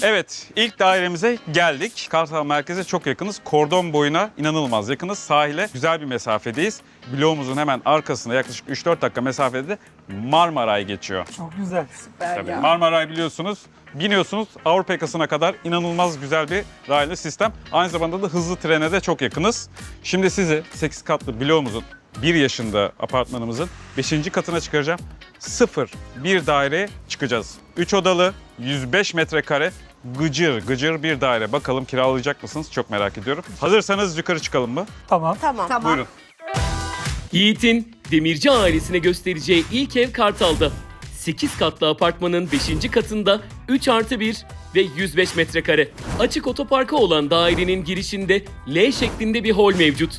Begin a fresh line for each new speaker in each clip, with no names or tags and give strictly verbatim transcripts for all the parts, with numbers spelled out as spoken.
Evet, ilk dairemize geldik. Kartal merkeze çok yakınız. Kordon boyuna inanılmaz yakınız. Sahile güzel bir mesafedeyiz. Bloğumuzun hemen arkasında yaklaşık üç dört dakika mesafede de Marmaray geçiyor.
Çok güzel.
Süper
Tabii
ya.
Marmaray biliyorsunuz. Biniyorsunuz Avrupa yakasına kadar inanılmaz güzel bir raylı sistem. Aynı zamanda da hızlı trene de çok yakınız. Şimdi sizi sekiz katlı bloğumuzun bir yaşında apartmanımızın beşinci katına çıkaracağım. Sıfır bir daireye çıkacağız. üç odalı, yüz beş metrekare, gıcır gıcır bir daire. Bakalım kiralayacak mısınız? Çok merak ediyorum. Hazırsanız yukarı çıkalım mı?
Tamam.
Tamam. Tamam.
Buyurun.
Yiğit'in Demirci ailesine göstereceği ilk ev Kartal'da. sekiz katlı apartmanın beşinci katında üç artı bir ve yüz beş metrekare. Açık otoparka olan dairenin girişinde L şeklinde bir hol mevcut.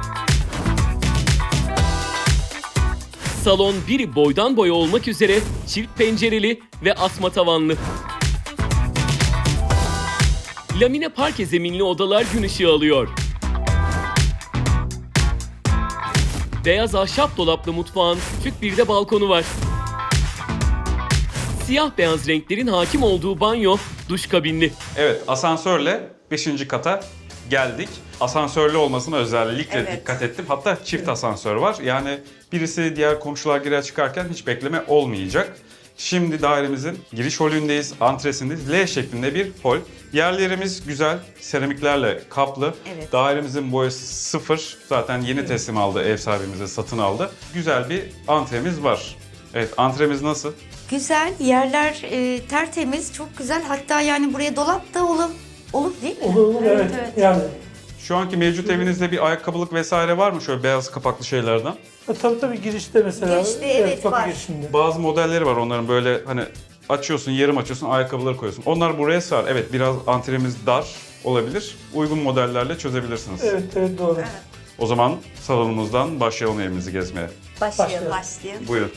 Salon biri boydan boya olmak üzere çift pencereli ve asma tavanlı. Lamine parke zeminli odalar gün ışığı alıyor. Beyaz ahşap dolaplı mutfağın küçük bir de balkonu var. Siyah beyaz renklerin hakim olduğu banyo, duş kabinli.
Evet, asansörle beşinci kata geldik. Asansörlü olmasına özellikle
Evet.
dikkat ettim. Hatta çift asansör var. Yani birisi diğer komşular girer çıkarken hiç bekleme olmayacak. Şimdi dairemizin giriş holündeyiz, antresindeyiz. L şeklinde bir hol. Yerlerimiz güzel, seramiklerle kaplı.
Evet.
Dairemizin boyası sıfır. Zaten yeni teslim aldı, ev sahibimize satın aldı. Güzel bir antremiz var. Evet, antremiz nasıl?
Güzel, yerler e, tertemiz, çok güzel. Hatta yani buraya dolap da olur, olur değil mi?
Olur olur evet.
evet.
Yani.
Şu anki mevcut evinizde bir ayakkabılık vesaire var mı şöyle beyaz kapaklı şeylerden?
E, tabii tabii girişte mesela.
Girişte, evet,
kapı
var.
girişinde.
Bazı modelleri var onların böyle hani açıyorsun, yarım açıyorsun, ayakkabıları koyuyorsun. Onlar buraya sığar. Evet, biraz antremiz dar olabilir. Uygun modellerle çözebilirsiniz.
Evet evet doğru.
O zaman salonumuzdan başlayalım evimizi gezmeye.
Başlayalım.
Başlayalım.
Başlayalım.
Buyurun.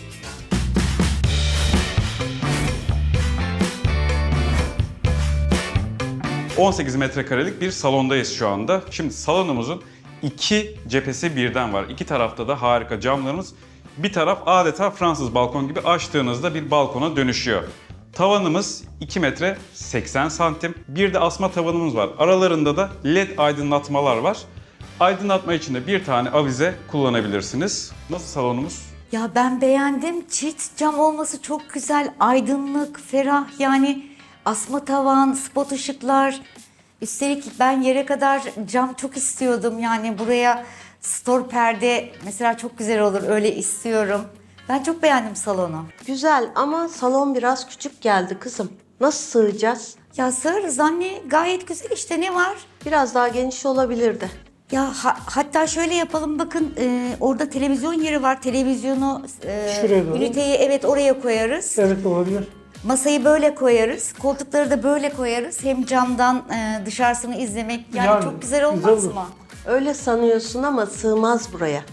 on sekiz metrekarelik bir salondayız şu anda. Şimdi salonumuzun iki cephesi birden var. İki tarafta da harika camlarımız. Bir taraf adeta Fransız balkon gibi açtığınızda bir balkona dönüşüyor. Tavanımız iki metre seksen santim. Bir de asma tavanımız var. Aralarında da led aydınlatmalar var. Aydınlatma için de bir tane avize kullanabilirsiniz. Nasıl salonumuz?
Ya ben beğendim. Çift cam olması çok güzel. Aydınlık, ferah yani asma tavan, spot ışıklar. Üstelik ben yere kadar cam çok istiyordum. Yani buraya stor perde mesela çok güzel olur. Öyle istiyorum. Ben çok beğendim salonu.
Güzel ama salon biraz küçük geldi kızım. Nasıl sığacağız?
Ya sığarız anne. Gayet güzel işte, ne var?
Biraz daha geniş olabilirdi.
Ya ha- hatta şöyle yapalım, bakın e, orada televizyon yeri var. Televizyonu, e,
Şuraya doğru.
üniteyi evet oraya koyarız.
Evet olabilir.
Masayı böyle koyarız. Koltukları da böyle koyarız. Hem camdan e, dışarısını izlemek yani,
Yani,
çok güzel olmaz
güzel olur.
mı?
Öyle sanıyorsun ama sığmaz buraya.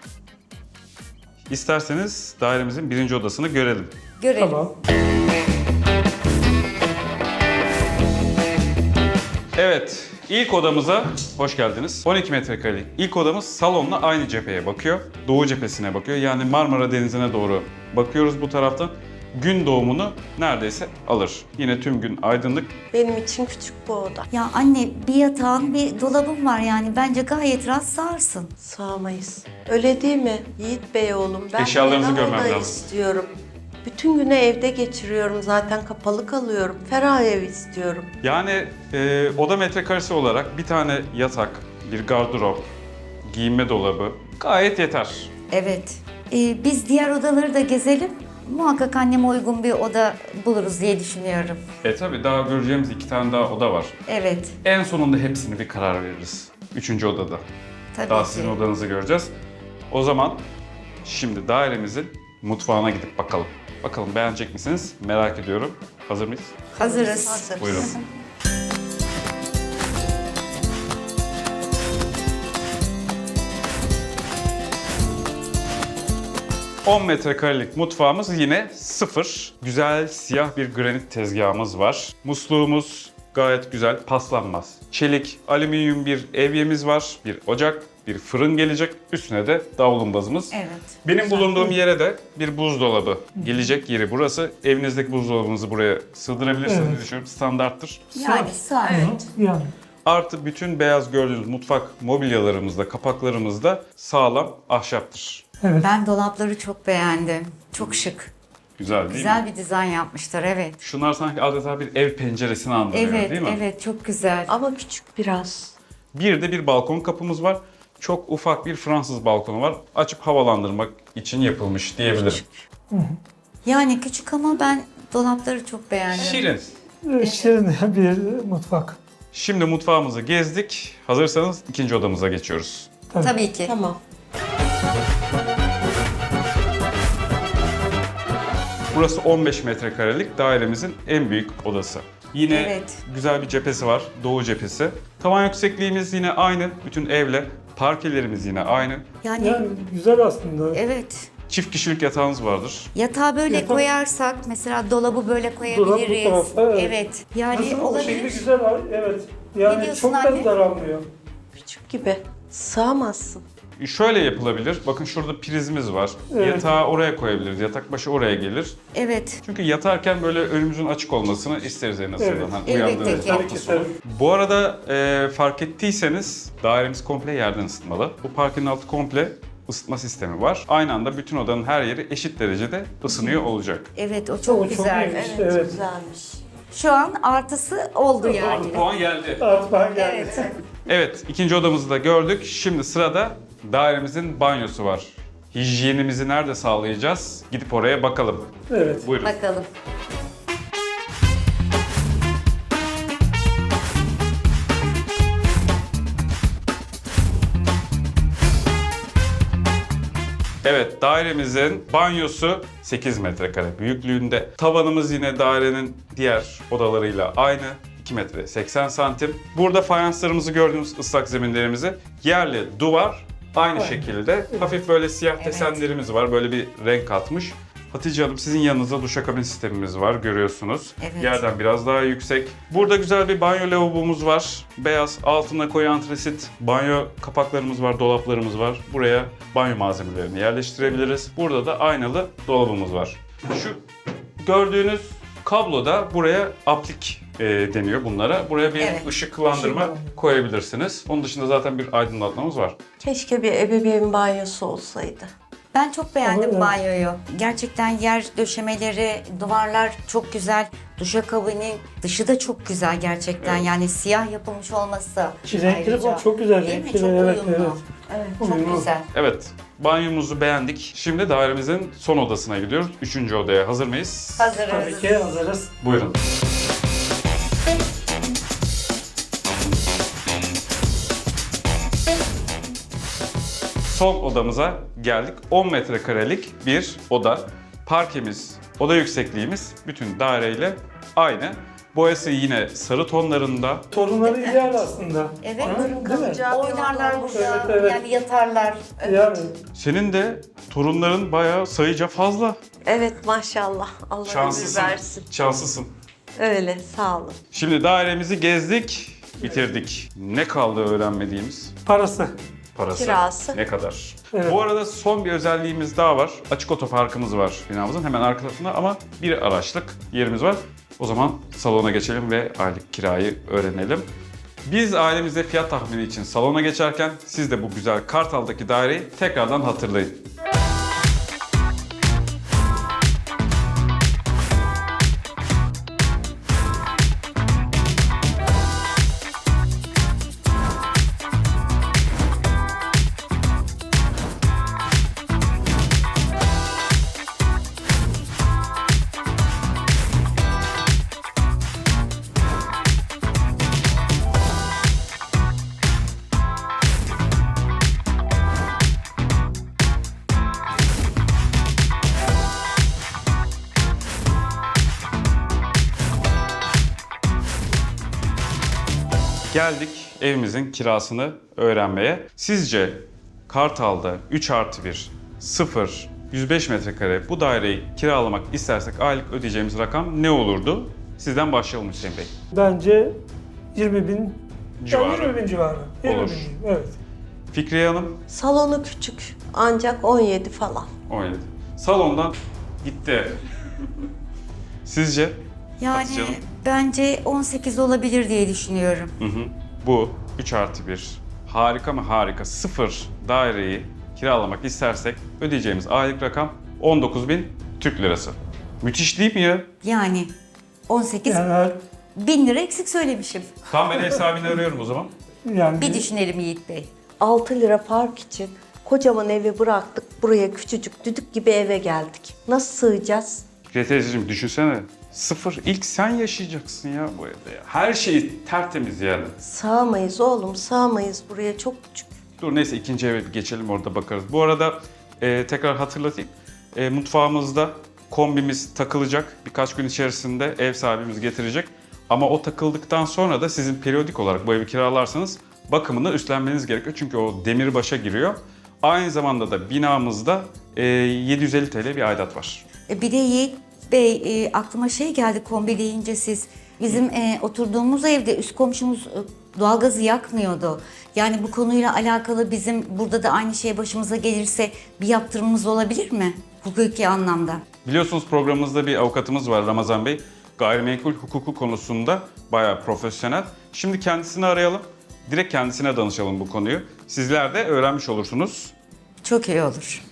İsterseniz dairemizin birinci odasını görelim.
Görelim.
Tamam.
Evet, ilk odamıza hoş geldiniz. on iki metrekarelik ilk odamız salonla aynı cepheye bakıyor. Doğu cephesine bakıyor. Yani Marmara Denizi'ne doğru bakıyoruz bu taraftan. Gün doğumunu neredeyse alır. Yine tüm gün aydınlık.
Benim için küçük bu oda.
Ya anne, bir yatağın bir dolabın var yani. Bence gayet rahat sığarsın.
Sığamayız. Öyle değil mi Yiğit Bey oğlum? Ben
Eşyalarınızı
ferah
görmem
oda
lazım.
istiyorum. Bütün günü evde geçiriyorum, zaten kapalı kalıyorum. Ferah ev istiyorum.
Yani e, oda metrekaresi olarak bir tane yatak, bir gardırop, giyinme dolabı gayet yeter.
Evet. E, biz diğer odaları da gezelim. Muhakkak anneme uygun bir oda buluruz diye düşünüyorum.
E tabi daha göreceğimiz iki tane daha oda var.
Evet.
En sonunda hepsini bir karar veririz. Üçüncü odada.
Tabii
Daha
ki.
sizin odanızı göreceğiz. O zaman şimdi dairemizin mutfağına gidip bakalım. Bakalım beğenecek misiniz? Merak ediyorum. Hazır mıyız?
Hazırız.
Hazırız.
Buyurun. on metrekarelik mutfağımız yine sıfır. Güzel siyah bir granit tezgahımız var. Musluğumuz gayet güzel, paslanmaz. Çelik, alüminyum bir evyemiz var, bir ocak. bir fırın gelecek. Üstüne de davlumbazımız.
Evet.
Benim bulunduğum yere de bir buzdolabı gelecek yeri burası. Evinizdeki buzdolabınızı buraya sığdırabilirsiniz diye
Evet.
düşünüyorum. Standarttır.
Yani sağ evet.
Yani
Artı bütün beyaz gördüğünüz mutfak mobilyalarımızda, kapaklarımızda sağlam ahşaptır.
evet.
Ben dolapları çok beğendim. Çok şık.
Güzel değil mi?
Güzel bir dizayn yapmışlar, evet.
Şunlar sanki adeta bir ev penceresini andırıyor
Evet,
değil mi?
evet, çok güzel.
Ama küçük biraz.
Bir de bir balkon kapımız var. Çok ufak bir Fransız balkonu var. Açıp havalandırmak için yapılmış diyebilirim.
Yani küçük ama ben dolapları çok beğendim.
Şirin.
Ee, Şirin bir mutfak.
Şimdi mutfağımızı gezdik. Hazırsanız ikinci odamıza geçiyoruz.
Tabii ki.
Tamam.
Burası on beş metrekarelik dairemizin en büyük odası. Yine
Evet.
güzel bir cephesi var, doğu cephesi. Tavan yüksekliğimiz yine aynı, bütün evle. Parkelerimiz yine aynı.
Yani,
Yani güzel aslında.
evet.
Çift kişilik yatağınız vardır.
Yatağı böyle
Yatak-
koyarsak, mesela dolabı böyle koyabiliriz.
Dolap bu tarafa, evet.
evet. Yani
Nasıl o şekli
olabilir.
güzel var. Evet. Yani
diyorsun
çok
anne?
da daralmıyor.
Küçük gibi. Sığamazsın.
Şöyle yapılabilir. Bakın şurada prizimiz var.
Evet.
Yatağı oraya koyabiliriz. Yatak başı oraya gelir.
Evet.
Çünkü yatarken böyle önümüzün açık olmasını isteriz en azından.
Evet.
Hani
Elbette
uyandığınız
ki.
hafta
Tabii ki
sonu.
tabii.
Bu arada e, fark ettiyseniz dairemiz komple yerden ısıtmalı. Bu parkenin altı komple ısıtma sistemi var. Aynı anda bütün odanın her yeri eşit derecede ısınıyor olacak.
Evet, o çok
O çok
güzel.
iyiymiş.
Evet,
Evet.
güzelmiş.
Şu an artısı oldu yani.
Puan geldi.
Artık ben geldim.
Evet.
Evet, ikinci odamızı da gördük. Şimdi sırada dairemizin banyosu var. Hijyenimizi nerede sağlayacağız? Gidip oraya bakalım.
Evet.
Buyurun.
Bakalım.
Evet, dairemizin banyosu sekiz metrekare büyüklüğünde. Tavanımız yine dairenin diğer odalarıyla aynı. iki metre seksen santim. Burada fayanslarımızı gördüğünüz ıslak zeminlerimizi yerli duvar aynı
Aynen.
şekilde. Hafif böyle siyah
Evet.
desenlerimiz var. Böyle bir renk katmış. Hatice Hanım sizin yanınızda duşakabin sistemimiz var görüyorsunuz.
Evet.
Yerden biraz daha yüksek. Burada güzel bir banyo lavabomuz var. Beyaz altına koyu antresit banyo kapaklarımız var, dolaplarımız var. Buraya banyo malzemelerini yerleştirebiliriz. Burada da aynalı dolabımız var. Şu gördüğünüz kablo da buraya aplik e, deniyor bunlara. Buraya bir
Evet.
ışıklandırma
Işıklandırma.
koyabilirsiniz. Onun dışında zaten bir aydınlatmamız var.
Keşke bir ebeveyn banyosu olsaydı.
Ben çok beğendim
Ama evet.
banyoyu. Gerçekten yer döşemeleri, duvarlar çok güzel. Duşakabinin dışı da çok güzel gerçekten. Yani siyah yapılmış olması.
Renkleri
ayrıca.
falan çok güzel.
Değil mi?
Renkleri,
Çok
evet,
uyumlu.
evet.
Evet, çok
Uyumlu.
güzel.
Evet, banyomuzu beğendik. Şimdi dairemizin son odasına gidiyoruz. Üçüncü odaya hazır mıyız?
Hazırız.
Tabii ki hazırız.
Buyurun. Son odamıza geldik. on metrekarelik bir oda. Parkemiz, oda yüksekliğimiz bütün daireyle aynı. Boyası yine sarı tonlarında.
Torunları ideal aslında.
Evet.
Ha, değil mi?
Kalacağı bir
Oynarlar
oda.
burada,
Evet, evet.
yani yatarlar.
Yani
Senin de torunların bayağı sayıca fazla.
Evet maşallah. Allah ömür
Şanslısın.
versin.
Şanslısın.
Öyle sağ olun.
Şimdi dairemizi gezdik, bitirdik. Ne kaldı öğrenmediğimiz?
parası.
Parası.
Kirası.
Ne kadar?
Evet.
Bu arada son bir özelliğimiz daha var. Açık otoparkımız var binamızın hemen arka tarafında ama bir araçlık yerimiz var. O zaman salona geçelim ve aylık kirayı öğrenelim. Biz ailemizde fiyat tahmini için salona geçerken siz de bu güzel Kartal'daki daireyi tekrardan hatırlayın. Geldik evimizin kirasını öğrenmeye. Sizce Kartal'da üç artı bir, sıfır, yüz beş metrekare bu daireyi kiralamak istersek aylık ödeyeceğimiz rakam ne olurdu? Sizden başlayalım Hüseyin Bey.
Bence yirmi bin
Civarı.
Yani yirmi bin civarı. yirmi
Olur.
bin, evet.
Fikriye Hanım
Salonu küçük ancak on yedi falan.
on yedi. Salondan gitti ev. Sizce?
Yani
Hatice Hanım?
bence on sekiz olabilir diye düşünüyorum.
Hı hı. Bu üç artı bir harika mı harika sıfır daireyi kiralamak istersek ödeyeceğimiz aylık rakam on dokuz bin Türk lirası. Müthiş değil mi ya?
Yani on sekiz
Yani,
bin lira eksik söylemişim.
Tam ben ev sahibini arıyorum o zaman.
yani
Bir düşünelim Yiğit Bey.
altı lira fark için kocaman evi bıraktık. Buraya küçücük düdük gibi eve geldik. Nasıl sığacağız?
Fikriye teyzeciğim düşünsene. Sıfır ilk sen yaşayacaksın ya bu evde ya. Her şey tertemiz yani.
Sığamayız oğlum, sığamayız buraya, çok küçük.
Dur neyse ikinci eve bir geçelim orada bakarız. Bu arada e, tekrar hatırlatayım. E, mutfağımızda kombimiz takılacak. Birkaç gün içerisinde ev sahibimiz getirecek. Ama o takıldıktan sonra da sizin periyodik olarak bu evi kiralarsanız bakımını üstlenmeniz gerekiyor. Çünkü o demirbaşa giriyor. Aynı zamanda da binamızda e, yedi yüz elli T L bir aidat var.
E, Bir de Yiğit Bey e, aklıma şey geldi kombi deyince siz. Bizim e, oturduğumuz evde üst komşumuz e, doğalgazı yakmıyordu. Yani bu konuyla alakalı bizim burada da aynı şey başımıza gelirse bir yaptırımımız olabilir mi? Hukuki anlamda.
Biliyorsunuz programımızda bir avukatımız var Ramazan Bey. Gayrimenkul hukuku konusunda bayağı profesyonel. Şimdi kendisini arayalım. Direkt kendisine danışalım bu konuyu. Sizler de öğrenmiş olursunuz.
Çok iyi olur.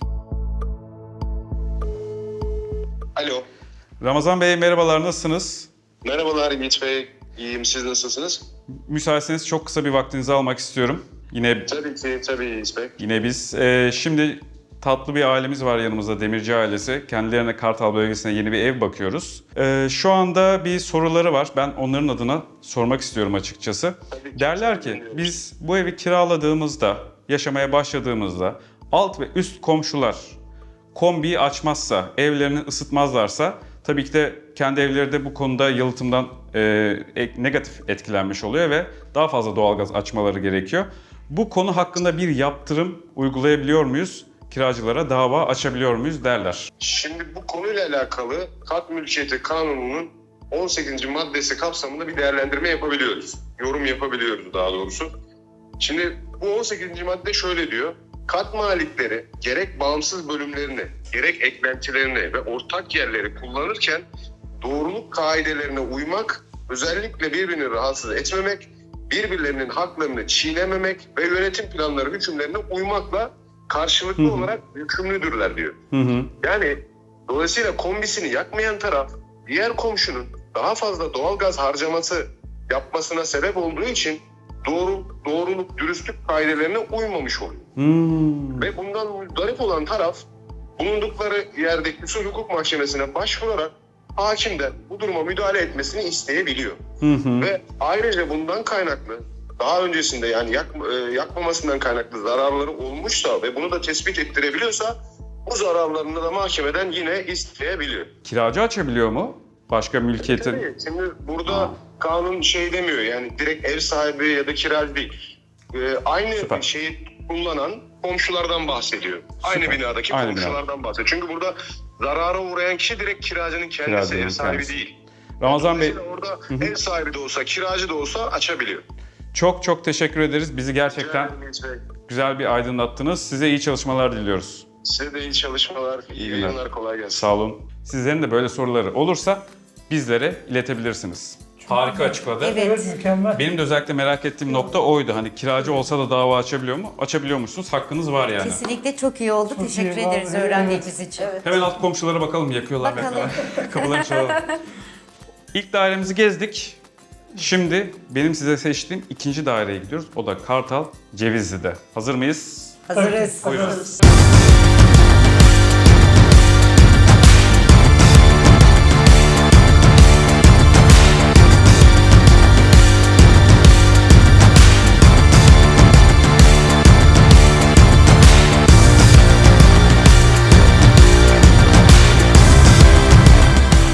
Alo.
Ramazan Bey merhabalar, nasılsınız?
Merhabalar Yiğit Bey. İyiyim. Siz nasılsınız?
Müsaitseniz çok kısa bir vaktinizi almak istiyorum. Yine
Tabii ki. Tabii Yiğit Bey.
yine biz. Ee, şimdi tatlı bir ailemiz var yanımızda, Demirci ailesi. Kendilerine Kartal bölgesine yeni bir ev bakıyoruz. Ee, şu anda bir soruları var. Ben onların adına sormak istiyorum açıkçası.
Tabii ki.
Derler ki
Dinliyorum.
biz bu evi kiraladığımızda, yaşamaya başladığımızda alt ve üst komşular kombiyi açmazsa, evlerini ısıtmazlarsa tabii ki de kendi evleri de bu konuda yalıtımdan e, ek- negatif etkilenmiş oluyor ve daha fazla doğalgaz açmaları gerekiyor. Bu konu hakkında bir yaptırım uygulayabiliyor muyuz? Kiracılara dava açabiliyor muyuz derler.
Şimdi bu konuyla alakalı Kat Mülkiyeti Kanunu'nun on sekizinci maddesi kapsamında bir değerlendirme yapabiliyoruz. Yorum yapabiliyoruz daha doğrusu. Şimdi bu on sekizinci madde şöyle diyor. Kat malikleri gerek bağımsız bölümlerini, gerek eklentilerini ve ortak yerleri kullanırken doğruluk kaidelerine uymak, özellikle birbirini rahatsız etmemek, birbirlerinin haklarını çiğnememek ve yönetim planları hükümlerine uymakla karşılıklı
Hı hı.
olarak yükümlüdürler diyor.
Hı hı.
Yani dolayısıyla kombisini yakmayan taraf diğer komşunun daha fazla doğalgaz harcaması yapmasına sebep olduğu için doğru, doğruluk, dürüstlük kaidelerine uymamış oluyor.
Hmm.
Ve bundan muzdarip olan taraf bulundukları yerdeki usul hukuk mahkemesine başvurarak hakimden bu duruma müdahale etmesini isteyebiliyor.
Hı hı.
Ve ayrıca bundan kaynaklı daha öncesinde yani yak, e, yakmamasından kaynaklı zararları olmuşsa ve bunu da tespit ettirebiliyorsa bu zararlarını da mahkemeden yine isteyebiliyor.
Kiracı açabiliyor mu? Başka mülkiyetin?
Tabii, şimdi burada
Aa.
kanun şey demiyor yani direkt ev sahibi ya da kiracı değil. Ee, aynı
Süper.
şeyi kullanan komşulardan bahsediyor. Aynı
Süper.
binadaki
Aynı
komşulardan bahsediyor. Çünkü burada zarara uğrayan kişi direkt kiracının kendisi,
Kiracının
ev sahibi
kendisi.
değil.
Ramazan Bey,
Dolayısıyla orada ev sahibi de olsa, kiracı da olsa açabiliyor.
çok çok teşekkür ederiz. Bizi gerçekten güzel bir aydınlattınız. Size iyi çalışmalar diliyoruz.
Size de iyi çalışmalar, iyi,
İyi günler.
yayınlar, kolay gelsin.
Sağ olun. Sizlerin de böyle soruları olursa bizlere iletebilirsiniz. Harika açıkladı.
Evet.
evet mükemmel.
Benim de özellikle merak ettiğim nokta oydu. Hani kiracı olsa da dava açabiliyor mu? Açabiliyormuşsunuz. Hakkınız var yani.
Kesinlikle çok iyi oldu.
Çok
Teşekkür
iyi,
ederiz
vallahi,
öğrendiğimiz için.
Hemen alt komşulara bakalım, yakıyorlar.
Bakalım.
Kapıları çalalım. İlk dairemizi gezdik. Şimdi benim size seçtiğim ikinci daireye gidiyoruz. O da Kartal Cevizli'de. Hazır mıyız?
Hazırız.
Buyurun.
Hazırız.